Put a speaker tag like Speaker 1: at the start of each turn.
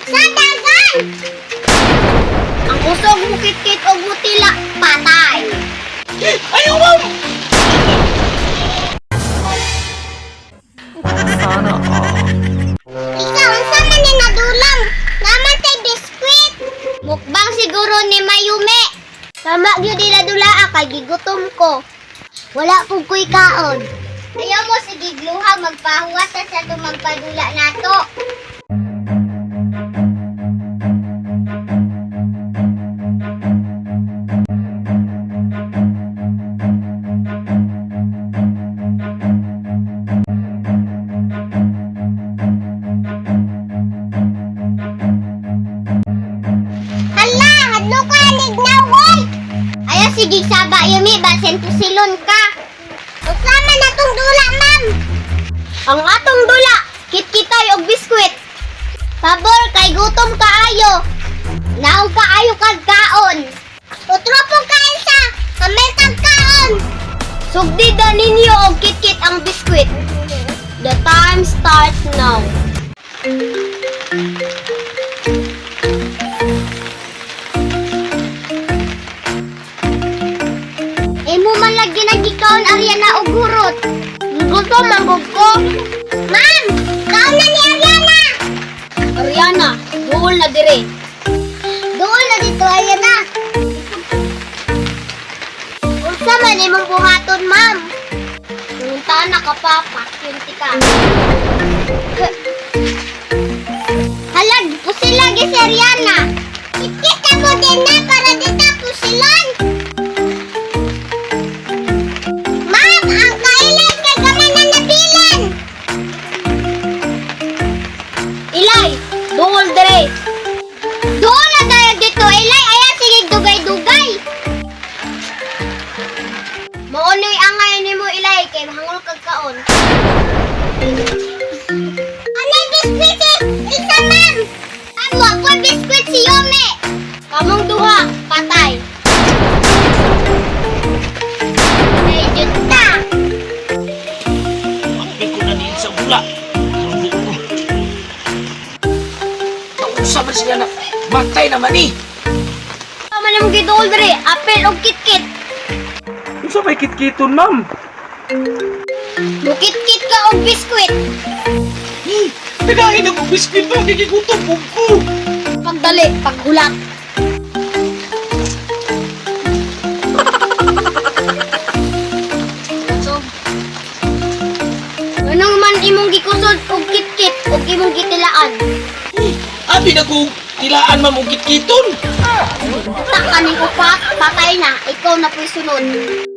Speaker 1: Sa dagan! Ang usog mo kit-kit o mutila, patay.
Speaker 2: Ayaw, ma'am!
Speaker 3: Sana all.
Speaker 1: Ikaw, unsa man ni nadulang? Naman tay biskwit. Mukbang siguro ni Mayume. Tama gyud nila dulaa kay gigutom ko. Wala pug ko'y kaon. Ayaw mo sige gluha magpahuwas sa tumagpadula nato. Hala, hadlo ka lignaw, oy! Ayaw sige saba yumi, basen pusilon ka. Usama na tong dula, ma'am. Ang atong dula, kit-kitay og biskwit. Pabor, kay gutom kaayo. Naog kaayo kag kaon. Utro po kain sa, kamay kag kaon. Sugdida ninyo og kit-kit ang biskwit. The time starts now. Imo man lagi nagikaon Ariana og gurot. Gusto manggog ko. Ma'am, kaon na ni Ariana. Ariana, duol na dire. Duol na dito Ariana. Unsa man imong buhaton, ma'am? Nguntaan na ka pa, pakyunti ka. Halag, pusilag si Ariana. Ikita mo din na para dita pusilan. Ma'am, ang kailan kay gamay na nabilan. Ilay, duol dire. Duol na tayo dito, Ilay. Ayan, sige dugay-dugay. Maunoy ang ngayon ni mo, Ilay, kay mahangol kag kaon. Ano biskwit eh? Isa, ma'am. Amo, ako biskwit si Yome. Kamong duha, patay. Medyo ta.
Speaker 2: Makapit ko na din sa bula. Naunsa man siya na matay naman eh.
Speaker 1: Tama na mong gidol dire, apel o kit-kit.
Speaker 2: Unsa may kitkiton, ma'am?
Speaker 1: Bukit-kit ka o biskwit.
Speaker 2: Nagahin ako biskwit pa, kikigutom ko.
Speaker 1: Pagdali, paghulat. Anong man imong gikusod og kit-kit og imong gitilaan?
Speaker 2: Abi na ko tilaan, ma'am, og kitkiton.
Speaker 1: Tak kaning upat, patay na, ikaw na po'y sunod.